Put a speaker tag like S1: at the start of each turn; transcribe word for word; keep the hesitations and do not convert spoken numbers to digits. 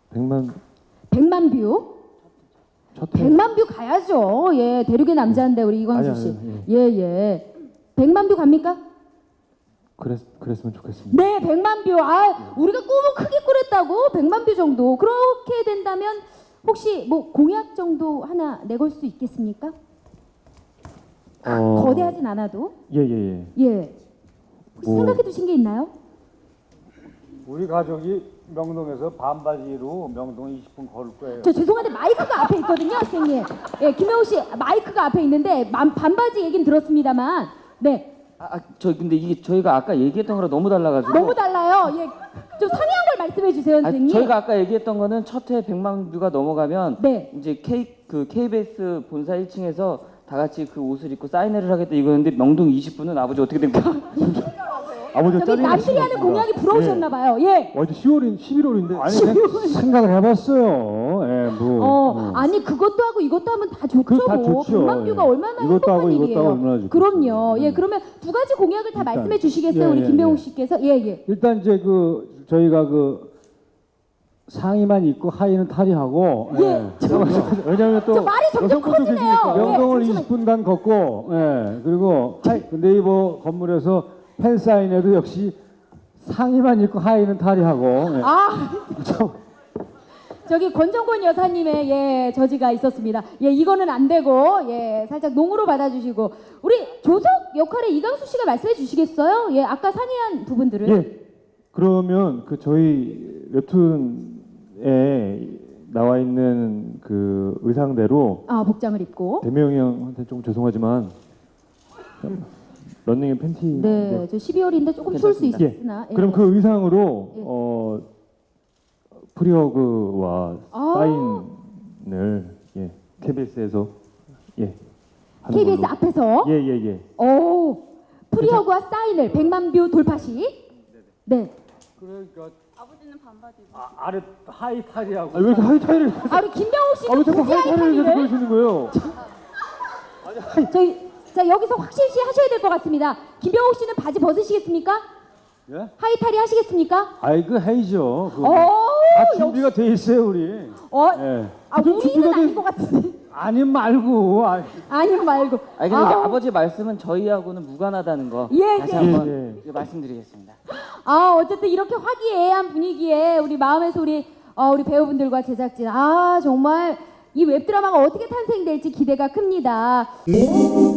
S1: 백만
S2: 백만 뷰?
S1: 첫 회.
S2: 백만 뷰 가야죠. 예, 대륙의 남자인데 우리 이광수
S1: 아니,
S2: 씨.
S1: 아니,
S2: 예, 예. 백만 뷰 갑니까?
S1: 그랬 그랬으면 좋겠습니다.
S2: 네, 백만 뷰. 아, 우리가 꿈은 크게 꾸렸다고. 백만 뷰 정도. 그렇게 된다면 혹시 뭐 공약 정도 하나 내걸 수 있겠습니까?
S1: 어,
S2: 거대하진 않아도.
S1: 예예 예.
S2: 예. 혹시
S1: 뭐-
S2: 생각해 두신 게 있나요?
S3: 우리 가족이 명동에서 반바지로 명동 이십 분 걸을 거예요.
S2: 저 죄송한데 마이크가 앞에 있거든요, 선생님. 예, 김영우 씨 마이크가 앞에 있는데 만- 반바지 얘기는 들었습니다만, 네,
S4: 아, 아, 저 근데 이게 저희가 아까 얘기했던 거랑 너무 달라가지고.
S2: 너무 달라요. 예, 좀 상이한 걸 말씀해 주세요,
S4: 아,
S2: 선생님.
S4: 저희가 아까 얘기했던 거는 첫 회 백만 뷰가 넘어가면
S2: 네.
S4: 이제 K 그 케이비에스 본사 일 층에서 다 같이 그 옷을 입고 사인회를 하겠다 이거였는데 명동 이십 분은 아버지 어떻게 된 거야?
S1: 아버지
S2: 저기 남들이 하는 공약이 부러우셨나 봐요. 예.
S1: 어, 이제 시월인 십일월인데 아니
S2: 십일월.
S1: 생각을 해봤어요. 예, 뭐.
S2: 어,
S1: 어.
S2: 아니 그것도 하고 이것도 하면 다 좋죠.
S1: 그거 다
S2: 뭐.
S1: 좋죠.
S2: 백만 뷰가
S1: 예.
S2: 얼마나
S1: 이것도
S2: 행복한
S1: 하고 이것도
S2: 일이에요.
S1: 하고 얼마나 좋겠어요.
S2: 그럼요. 예,
S1: 음.
S2: 그러면 두 가지 공약을 다
S1: 일단,
S2: 말씀해 주시겠어요,
S1: 예,
S2: 우리
S1: 예,
S2: 김병욱
S1: 예.
S2: 씨께서? 예, 예.
S1: 일단 이제 그 저희가 그 상의만 입고 하의는 탈의하고
S2: 예.
S1: 왜냐하면 또
S2: 저 말이 점점
S1: 여성분도
S2: 커지네요.
S1: 계시니까
S2: 예,
S1: 명동을
S2: 잠시만요.
S1: 이십 분간 걷고 예 그리고 하이, 네이버 건물에서 팬 사인회도 역시 상의만 입고 하의는 탈의하고 예.
S2: 아,
S1: 좀
S2: 저기 권정권 여사님의 예 저지가 있었습니다. 예, 이거는 안 되고 예 살짝 농으로 받아주시고 우리 조석 역할에 이광수 씨가 말씀해 주시겠어요? 예, 아까 상의한 부분들을.
S1: 예. 그러면 그 저희 웹툰에 나와 있는 그 의상대로
S2: 아, 복장을 입고.
S1: 대명이 형한테 좀 죄송하지만 런닝 앤 팬티.
S2: 네, 저 십이월인데 조금 추울 수
S4: 괜찮습니다.
S2: 있으나.
S1: 예. 그럼 그 의상으로
S2: 예.
S1: 어 프리허그와
S2: 아.
S1: 사인을 예 케이비에스에서 예 하는
S2: 케이비에스
S1: 걸로.
S2: 앞에서.
S1: 예 예 예.
S2: 오, 프리허그와 사인을 백만 뷰 돌파시. 네.
S3: 그러니까
S5: 아버지는 반바지 입으시고
S3: 아, 아래 하이 탈의하고
S1: 아, 왜 이렇게 하이타이를
S2: 아, 우리 김병욱 씨는
S1: 아, 왜 자꾸
S2: 굳이
S1: 하이타이를 계속
S2: 하이타이를.
S1: 그러시는 거예요?
S2: 저희 자 여기서 확실시 하셔야 될 것 같습니다. 김병욱 씨는 바지 벗으시겠습니까?
S1: 예?
S2: 하이타리 하시겠습니까?
S1: 아이 그 해이죠. 그거.
S2: 오,
S1: 다 준비가 돼 있어요 우리.
S2: 어,
S1: 예.
S2: 아,
S1: 좀
S2: 우리는
S1: 준비가
S2: 아닌
S1: 돼.
S2: 것 같은데.
S1: 아니 말고. 아,
S2: 아니 말고.
S4: 아니 근데
S2: 아우,
S4: 아버지 말씀은 저희하고는 무관하다는 거
S2: 예,
S4: 다시
S2: 예.
S4: 한번
S1: 예, 예.
S4: 말씀드리겠습니다.
S2: 아, 어쨌든 이렇게 화기애애한 분위기에 우리 마음에서 우리 어, 우리 배우분들과 제작진 아 정말 이 웹드라마가 어떻게 탄생될지 기대가 큽니다.